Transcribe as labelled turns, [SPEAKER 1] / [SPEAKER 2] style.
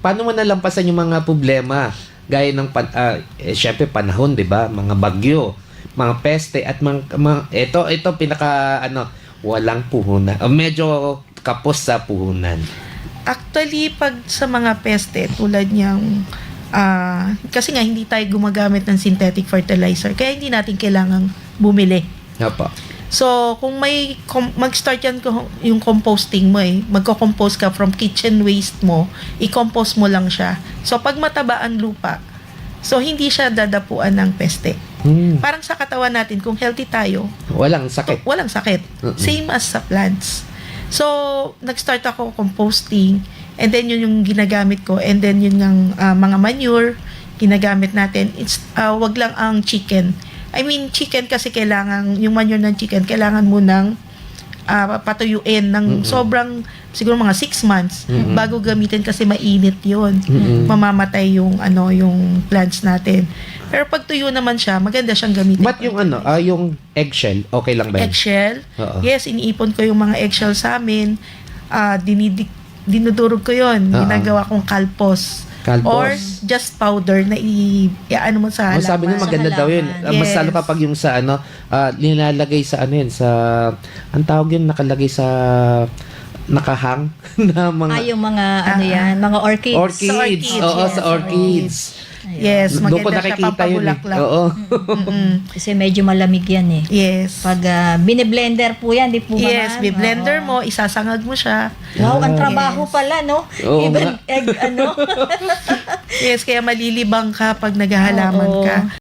[SPEAKER 1] paano mo nalampasan yung mga problema? Gaya ng, syempre panahon, di ba? Mga bagyo, mga peste, at ito, pinaka, walang puhunan. Medyo kapos sa puhunan.
[SPEAKER 2] Actually, pag sa mga peste, tulad niyang, kasi nga hindi tayo gumagamit ng synthetic fertilizer, kaya hindi natin kailangang bumili.
[SPEAKER 1] Opo.
[SPEAKER 2] So, kung mag-start yan yung composting mo magko-compose ka from kitchen waste mo, i-compose mo lang siya. So, pag mataba ang lupa, so hindi siya dadapuan ng peste. Parang sa katawan natin, kung healthy tayo,
[SPEAKER 1] Walang sakit.
[SPEAKER 2] walang sakit. Same as sa plants. So, nag-start ako composting, and then yun yung ginagamit ko, and then yun ng mga manure, ginagamit natin. It's, wag lang ang chicken. I mean, chicken kasi kailangan, yung manure ng chicken, kailangan mo ng patuyuin ng sobrang, siguro mga 6 months bago gamitin kasi mainit yun. Mamamatay yung, yung plants natin. Pero pag tuyo naman siya, maganda siyang gamitin.
[SPEAKER 1] But yung yung eggshell, okay lang ba yun?
[SPEAKER 2] Eggshell?
[SPEAKER 1] Oo.
[SPEAKER 2] Yes, iniipon ko yung mga eggshell sa amin. Dinudurog ko yun. Ginagawa kong kalpos. Or just powder na i-ano mo sa halaman.
[SPEAKER 1] Sabi nila maganda daw yun. Mas lalo pa pag yung sa nilalagay sa sa, ang tawag yun, nakalagay sa nakahang na mga
[SPEAKER 3] yung mga yan, mga orchids.
[SPEAKER 1] Orchids. Oo,
[SPEAKER 2] Yes,
[SPEAKER 1] sa orchids.
[SPEAKER 2] Yes,
[SPEAKER 1] Doon ko
[SPEAKER 2] maganda siya
[SPEAKER 1] nakikita yun.
[SPEAKER 2] pampabulaklak.
[SPEAKER 1] Oo.
[SPEAKER 3] Kasi medyo malamig yan eh.
[SPEAKER 2] Yes.
[SPEAKER 3] Pag bine-blender po yan, di po ba?
[SPEAKER 2] Yes, bi-blender mo, isasangag mo siya.
[SPEAKER 3] Wow, ang trabaho pala, no?
[SPEAKER 1] Oo,
[SPEAKER 3] Even egg,
[SPEAKER 2] Yes, kaya malilibang ka pag naghahalaman
[SPEAKER 3] Oo.
[SPEAKER 2] ka.